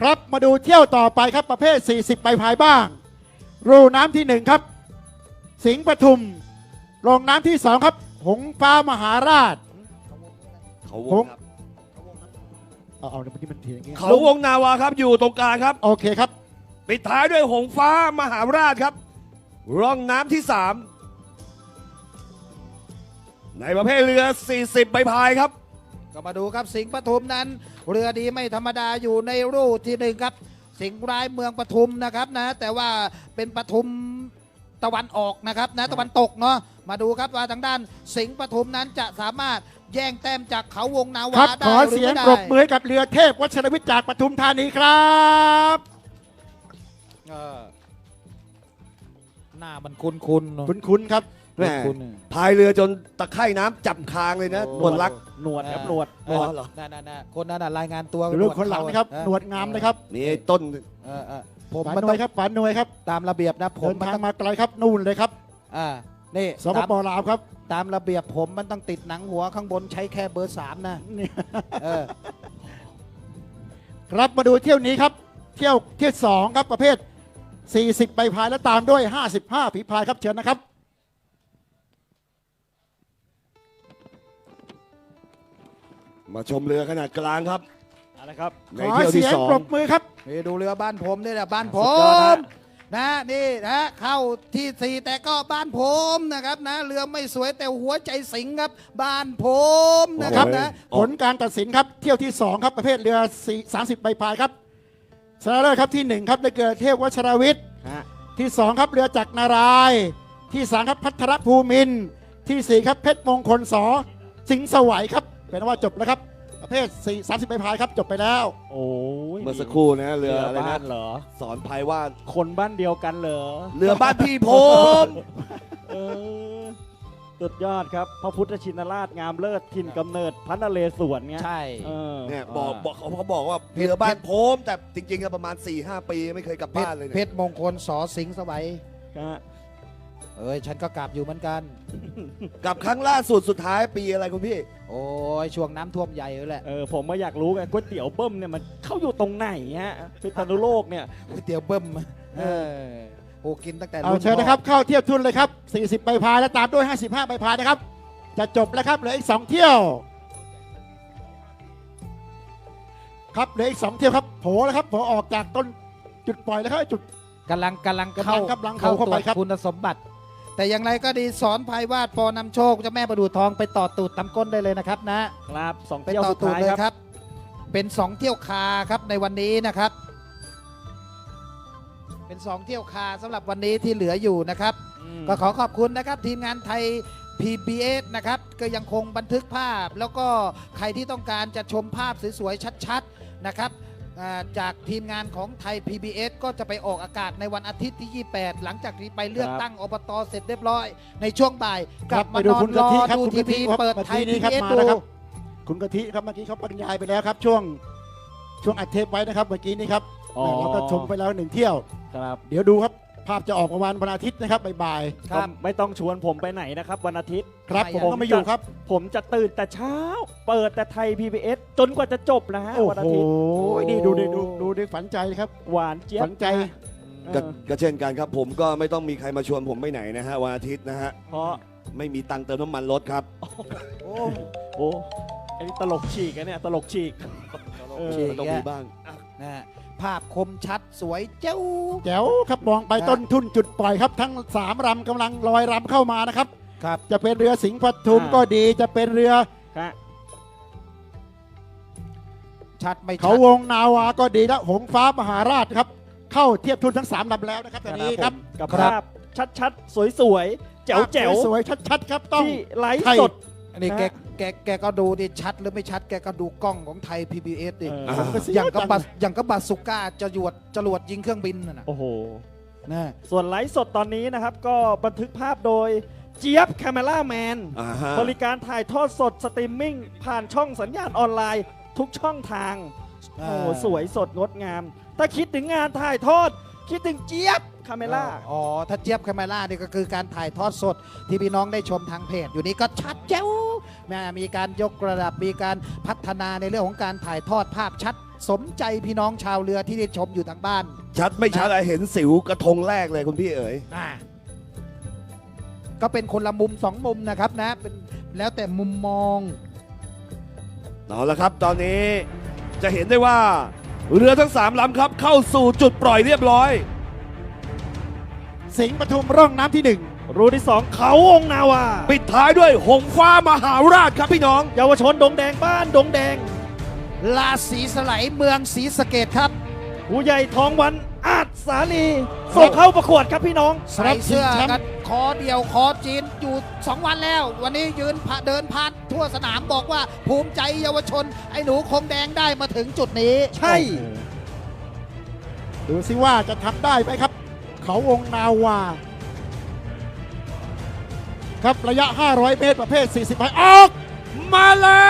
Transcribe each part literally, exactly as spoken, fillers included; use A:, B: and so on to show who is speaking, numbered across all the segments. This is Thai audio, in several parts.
A: ครับมาดูเที่ยวต่อไปครับประเภท สี่สิบ ใบพายบ้างรูน้ำที่หนึ่งครับสิงห์ปทุมลงน้ำที่สองครับหงฟ้ามหาราช
B: เขาว
A: ห
B: ง
A: ง
B: ครับ
A: เอาเอาเมื่อกี้มันทีอย่างงี้
B: เขาวงนาวาครับอยู่ตรงกลางครับ
A: โอเคครับ
B: ปิดท้ายด้วยหงฟ้ามหาราชครับร่องน้ำที่สามในประเภทเรือ สี่สิบ ใบพายครับ
C: ก็มาดูครับสิงห์ปทุมนั้น เรือดีไม่ธรรมดาอยู่ในรูที่หนึ่งครับ สิงห์ร้ายเมืองปทุมนะครับนะแต่ว่าเป็นปทุมตะวันออกนะครับนะตะวันตกเนาะมาดูครับว่าทางด้านสิงห์ปทุมนั้นจะสามารถแย่งแต้มจากเขาวงนา
A: ครั
C: วา
A: บ
C: ได้
A: ขอ
C: หรือ
A: เสียง
C: ไม่ได้
A: ปรบมือให้กับเรือเทพวัชรวิทย์จากปทุมธานีครับ
C: เออหน้ามันคุ้นคุ้นๆเนอะ
A: คุ้นๆครับ
B: แม่
C: คุ้นๆเนี่ย
B: พายเรือจนตะไคร่น้ำจับคางเลยนะหนวดรัก
D: หนวดครับหนวด
C: เออ
B: เหรอ
C: นั่นๆๆคนนั้นน่ะรายงานตัว
A: เรื่องคนหลังนะครับ
C: เออ
A: หนวดงามนะครับ
B: นี่ไอ้ต้น
C: เออเออผม
A: ป๋า
C: มัน
A: หน่
C: ต้
A: ว
C: อย ง
A: ครับป๋าหน่วยครับ
C: ตามระเบียบนะผม
A: เดิน
C: มัน
A: ทาง
C: ต้อง
A: มาไกลครับนู่นเลยครับ
C: อ่านี่
A: สป
C: ตาม
A: ปลาวครับ
C: ตามระเบียบผมมันต้องติดหนังหัวข้างบนใช้แค่เบอร์สามนะ
A: นี่
C: เออ
A: ครับมาดูเที่ยวนี้ครับ เที่ยวเที่ยวสองครับประเภท สี่สิบ ใบพายและตามด้วย ห้าสิบห้า ฝีพายครับเชิญนะครับ
B: มาชมเรือขนาดกลางครับ
D: เอาละครับ
B: ใน
A: ขอ
B: เที่ยว
A: เสี
B: ที่
A: ยง
B: สอง
A: ปรบมือครับ
C: นี่ดูเรือบ้านผมนี่แหละบ้านผ
D: สุดยอด
C: ม
D: ฮะ
C: นะนี่นะเข้าที่สี่แต่ก็บ้านผมนะครับนะเรือไม่สวยแต่หัวใจสิงห์ครับบ้านผมนะครับนะ
A: ผลการตัดสินครับเที่ยวที่สองครับประเภทเรือสามสิบ ใบพายครับชนะเลิศครับที่หนึ่งครับได้เกิดเทพวชรวิทย์
D: ฮะ
A: ที่สองครับเรือจักรนารายณ์ที่สามครับพัทรภูมินทร์ที่สี่ครับเพชรมงคลสอสิงห์สวัยครับเป็นว่าจบแล้วครับประเภท4 30 ใบพายครับจบไปแล้ว
D: โอ้ย
B: เมื่อสักครู่นะเรืออะไร
D: บ้า
B: นะ
D: นเหรอ
B: สอนพายว่า
D: คนบ้านเดียวกันเหรอ
B: เรือบ้านพี่ผม
D: เออสุดยอดครับพระพุทธชินราชงามเลิศถิ่นกำเนิดพระนเรศวรเงี้ย
C: ใช่
D: เออ
B: เนี่ยบอกบอกเขาเขาบอกว่าเรือบ้านผมแต่จริงๆก็ประมาณ สี่ห้า ปีไม่เคยกลับ
C: เพช
B: บ้าร นเลย
C: เพ
B: เนี่ย
C: ชรมงคลสอสิงห์สวัย
D: ฮะ
C: เอ้ยฉันก็กลับอยู่เหมือนกัน
B: กลับครั้งล่าสุดสุดท้ายปีอะไรคุณพี่
C: โอ้ยช่วงน้ำท่วมใหญ่เลยแหละ
D: เออผมมาอยากรู้ไงก๋วยเตี๋ยวเบิ้มเนี่ยมันเข้าอยู่ตรงไหนฮะพิษณุโลกเนี่ย
C: ก๋วยเตี๋ยวเบิ้มเออโอ้กินตั้งแต่
A: เอา
C: รุ่น
A: เชิญนะครับเข้าเทียบทุนเลยครับ สี่สิบ ใบพายและตามด้วย ห้าสิบห้า ใบพายนะครับ จะจบแล้วครับเหลืออีกสองเที่ยวครับเหลืออีกสองเที่ยวครับโผล่แล้วครับโผล่ออกจากต้นจุดปล่อยแล้วครับจุด
C: กำลังกำลัง
A: กำลั
C: เข้าง
A: กำลัง
C: เข้า
A: เข้า
C: ตร
A: ไป
C: วจ
A: ครับ
C: คุณสมบัติ แต่อย่างไรก็ดีสอนภัยวาดปอนำโชคเจ้าแม่ประดูทองไปต่อตูดตำก้นได้เลยนะครับนะครับ
D: สอง
C: ไป
D: เที่ยว
C: ต่อ
D: สุด
C: ตูด
D: ท้าย
C: เลย
D: ครับ
C: ครับ เป็นสองเที่ยวคาครับในวันนี้นะครับ เป็นสองเที่ยวคาสำหรับวันนี้ที่เหลืออยู่นะครับ
D: อืม
C: ก็ขอขอบคุณนะครับทีมงานไทย พี บี เอส นะครับก็ยังคงบันทึกภาพ แล้วก็ใครที่ต้องการจะชมภาพสวยๆชัดๆนะครับอ่าจากทีมงานของไทย พี บี เอส ก็จะไปออกอากาศในวันอาทิตย์ที่ ยี่สิบแปด หลังจากที่ไปเลือกตั้งอบตเสร็จเรียบร้อย ในช่วงบ่ายกลับ
A: ไป
C: มา
A: ดู
C: นอน
A: คุณ
C: ร
A: กะ
C: อ
A: ทิครับ
C: ดู
A: คุณ
C: ที
A: กะทิ
C: วี
A: ครับ
C: เปิด
A: มา
C: ไท
A: ที
C: ย
A: นี้
C: พี
A: ครับ
C: บีเอส
A: มา
C: ดู
A: แล้วครับ คุณกะทิครับเมื่อกี้เขาบรรยายไปแล้วครับ ช่วงช่วงอัดเทปไว้นะครับเมื่อกี้นี้ครับ
D: อ๋อ
A: เราก็ชมไปแล้วหนึ่งเที่ยว
D: ครับ
A: เดี๋ยวดูครับภาพจะออกประมาณวันอาทิตย์นะครับบ่าย
C: ครับ
D: ก็ไม่ต้องชวนผมไปไหนนะครับ วันอาทิตย์
A: ๆครับ
C: ไม่
A: ผม
C: อยาก
A: ก็ไม่อยู่ครับ
D: ผมจะตื่นแต่เช้า เปิดแต่ไทย พี บี เอส จนกว่าจะจบนะฮะ
A: โอ้
D: วันอา
A: โห
D: ทิตย์
A: นี่ดูดิดูดูดิฝันใจครับ
D: หวานเจี๊ยบ
A: ฝันใจ
D: เอ
B: ก็
D: อ
B: ก็เช่นกันครับ ผมก็ไม่ต้องมีใครมาชวนผมไปไหนนะฮะวันอาทิตย์นะฮะ
D: เพราะ
B: ไม่มีตังค์เติมน้ำมันรถครับ
C: โอ้
D: โอ้ไอ้นี่ตลกฉีกอะเนี่ยตลกฉีก เออ
C: ฉีก
B: ต้อง
C: แยะ
B: มีบ้าง
C: นะฮะภาพคมชัดสวยเจ้า
A: แจ๋วครับมองไป
C: ครับ
A: ต้นทุนจุดปล่อยครับ ทั้งสามลำกำลังลอยลำเข้ามานะครับ
C: ครับ
A: จะเป็นเรือสิงห์ปทุม
D: อ่า
A: ก็ดีจะเป็นเรือ
D: ครับ
C: ชัดไม่ชั
A: เขา
C: ด
A: วงนาวาก็ดีและหงฟ้ามหาราชครับ เข้าเทียบทุนทั้งสามลำแล้วนะครับตอนนี้ครับ
D: กับ
C: ครับ
D: ภาพชัดๆ สวยๆ แจ๋วแจ๋ว
A: สวยๆชัดๆครับต้อง
D: ที่ไลฟ์
A: ไทย
D: สด
C: อันนี้
D: นะ
C: แกแกแกก็ดูดิชัดหรือไม่ชัดแกก็ดูกล้องของไทย พี บี เอส ดิ
D: เออ
B: อ่า
A: ผมก็เสี
C: อย่าง
A: จั
C: กับบัสอย่างกับบาสุก้าจะหยวดจรวดยิงเครื่องบินน่ะนะ
D: โอ้โห
C: นะ
D: ส่วนไลฟ์สดตอนนี้นะครับ ก็บันทึกภาพโดยเจี๊ยบแคมเมล่าแมน
B: อ่าฮะ
D: บริการถ่ายทอดสดสตรีมมิ่ง ผ่านช่องสัญญาณออนไลน์ทุกช่องทาง โอ้โหสวยสดงดงาม ถ้าคิดถึงงานถ่ายทอด คิดถึงเจี๊ยบคาเมล่า
C: อ๋อ ถ้าเจี๊ยบคาเมล่านี่ก็คือการถ่ายทอดสดที่พี่น้องได้ชมทางเพจ อยู่นี้ก็ชัดเจ้าแม่มีการยกระดับมีการพัฒนาในเรื่องของการถ่ายทอดภาพชัดสมใจพี่น้องชาวเรือที่ได้ชมอยู่ทางบ้าน
B: ชัดไม่ชัดอะเห็นสิวกระทงแรกเลยคุณพี่เอ๋ย
C: อ่าก็เป็นคนละมุมสองมุมนะครับนะเป็นแล้วแต่มุมมอง
B: เอาละครับตอนนี้จะเห็นได้ว่า เรือทั้งสามลำครับเข้าสู่จุดปล่อยเรียบร้อย
A: สิงห์ปทุมร่องน้ำที่หนึ่ง
D: รูที่สองเขาองค์นาวา
B: ปิดท้ายด้วยหงฟ้ามหาราชครับพี่น้อง
D: เยาวชนดงแดงบ้านดงแดง
C: ลาศรีสไลยเมืองศรีสะเกษครับ
D: ผู้ใหญ่ทองวันอาจสาลีส่งเข้าประกวดครับพี่น้อง
C: ใส่เสื้อกันคอเดียวคอจีนอยู่สองวันแล้ว วันนี้ยืนผ่าเดินผ่านทั่วสนามบอกว่าภูมิใจเยาวชน ไอ้หนูคงแดงได้มาถึงจุดนี้
D: ใช่
A: ดูสิว่าจะทำได้ไหมครับ เขาวงนาวา ครับระยะ ห้าร้อย เมตรประเภท สี่สิบไปออก
B: มาแล้ว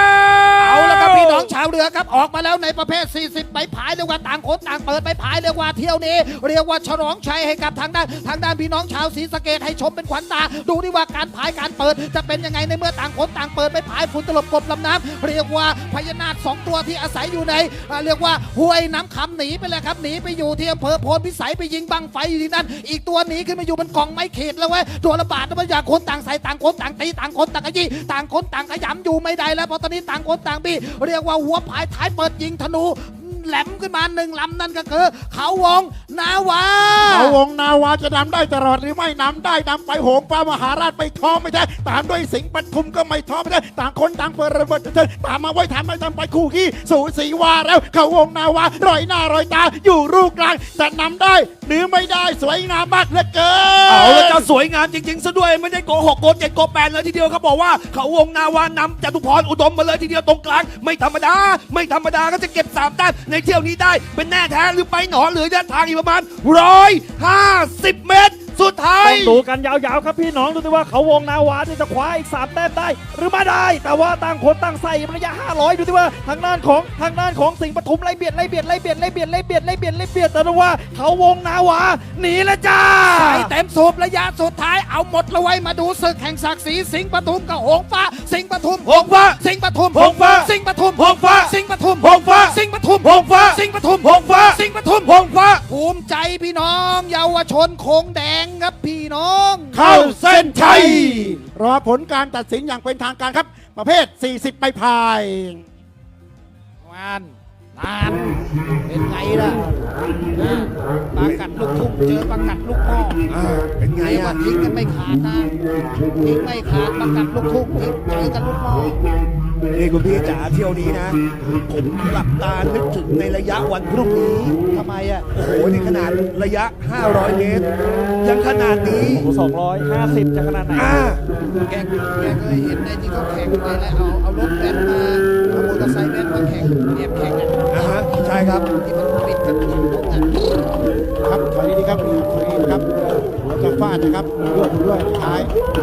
C: เอาละครับพี่น้องชาวเรือครับออกมาแล้วในประเภท สี่สิบใบผายเรียกว่าต่างคนต่างเปิดใบผายเรียกว่าเที่ยวนี้ เรียกว่าฉลองชัยให้กับทางด้านทางด้านพี่น้องชาวศรีสะเกษให้ชมเป็นขวัญตา ดูดิว่าการผายการเปิดจะเป็นยังไงในเมื่อต่างคนต่างเปิดใบผายฝุ่นตลบกบลำน้ำเรียกว่าพญานาคสองตัวที่อาศัยอยู่ในอ่าเรียกว่าห้วยน้ำคำหนีไปเลยครับหนีไปอยู่ที่อำเภอโพนพิสัยไปยิงบังไฟอยู่ที่นั่นอีกตัวหนีขึ้นมาอยู่บนกองไม้ขีดแล้วเว้ยตัวระบาดมันอยากคนต่างใส่ต่างคนต่างตีต่างคนต่างขยี้ต่างคนต่างขยำอยู่ไม่ได้แล้วเพราะตอนนี้ต่างคนต่างบี้เรียกว่าหัวผายท้ายเปิดยิงธนูแหลมขึ้นมาหนึ่งลำนั่นก็คือเขาวงนาวา
A: เขาวงนาวาจะนำได้ตลอดหรือไม่นำได้นำไปโหงฟ้ามหาราชไม่ท้อไม่ได้ตามด้วยสิงห์ปทุมก็ไม่ท้อไม่ได้ต่างคนต่างเปิดระเบิดเถิดตามมาไว้ทำไม่ทำไปคู่ขี้สูสีวาแล้วเขาวงนาวารอยหน้ารอยตาอยู่รูกลางจะนำได้หรือไม่ได้สวยงามมากเหลือเกิน
B: เอาแล้วจะสวยงามจริงๆซะด้วยไม่ได้โกหกโกเจ็ดโกแปดเลยทีเดียวเขาบอกว่าเขาวงนาวานำจตุพรอุดมมาเลยทีเดียวตรงกลางไม่ธรรมดา ไม่ธรรมดาก็จะเก็บสามแต้มในเที่ยวนี้ได้เป็นแน่แท้หรือไปหนอเหลือเดินทางอีกประมาณร้อยห้าสิบเมตร สุดท้าย
D: ต้องดูกันยาวๆครับพี่น้องดูสิว่าเขาวงนาวานี่จะคว้าอีกสามแต้มได้ หรือไม่ได้ แต่ว่าต่างคนต่างใส่ระยะห้าร้อยดูสิว่าทางด้านของทางด้านของสิงห์ปทุมไล่เบียดไล่เบียดไล่เบียดไล่เบียดไล่เบียดไล่เบียดไล่เบียดแต่ว่าเขาวงนาวาหนีแล้วจ้า
C: ใส่เต็มสูบระยะสุดท้ายเอาหมดละไว้มาดูศึกแห่งศักดิ์ศรีสิงห์ปทุมกับหงฟ้า สิงห์ปทุม
B: หงฟ้า
C: สิงห์ปทุม
B: หงฟ้า
C: สิงห์ปทุม
B: หงฟ้า
C: สิงห์ปทุม
B: หงฟ้า
C: สิงห์ปทุม
B: หงฟ้า
C: สิงห์ปทุม
B: หงฟ้า
C: สิงห์ปทุม
B: หงฟ้า
C: ภูมิใจพี่น้องเยาวชนโคงแดงครับพี่น้อง
A: เข้าเส้นชัยรอผลการตัดสินอย่างเป็นทางการครับ ประเภท สี่สิบใบพาย
C: งานนานเป็นไงล่ะนะปากัดลูกทุ่งเจอปากัดลูกพ่อ
B: อ่าเป็นไง
C: ไงว่า
B: อ่ะ
C: ทิ้งกันไม่ขาดนะทิ้งไม่ขาดปากัดลูกทุ่งทิ้งเจอกันลูกพ่อ
B: นี่คุณพี่จ๋าเที่ยวนี้นะ ผมหลับตานึกถึงในระยะวันพรุ่งนี้
C: ทำไมอ่ะ
B: โอ้โหนี่ขนาดระยะ ห้าร้อย เมตร ยังขนาดนี้
D: สองร้อยห้าสิบจะขนาดไหน
B: อ่า
C: แกแกเคยเห็นในที่เขาแข่งไงแล้วเอาเอารถแว้นมาเอามอเตอร์ไซค์แว้นมาแข่งเรียบแข่งอ่ะ
B: อ่าฮะใช่ครับ
C: ที่มันปิดกันทุกทุกอ่ะ
A: ครับถอยดีๆครับถอยดีๆครับหัวจะฟาดนะครับด้วยด้วยท้าย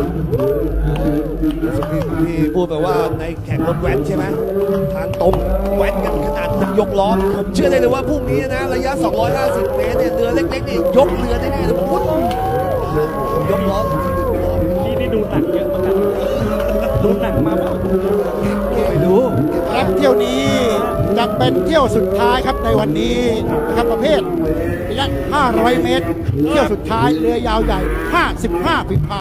B: พี่พูดไปว่าในแข่งรถแว้นใช่ไหมทางตรงแว้นกันขนาดยกล้อผมเชื่อได้เลยว่าพรุ่งนี้นะระยะ สองร้อยห้าสิบ เมตรเนี่ยเรือเล็กๆนี่ยกเรือได้แน่เลยพุ้นยกล้อ
D: นี่นี่ดูหนังเยอะเหมือนกันดูหนังมาบ้าง
B: ไม่รู้
A: ครับเที่ยวนี้จะเป็นเที่ยวสุดท้ายครับในวันนี้นะครับประเภทระยะ ห้าร้อย เมตร เที่ยวสุดท้ายเรือยาวใหญ่ ห้าสิบห้าฝีพาย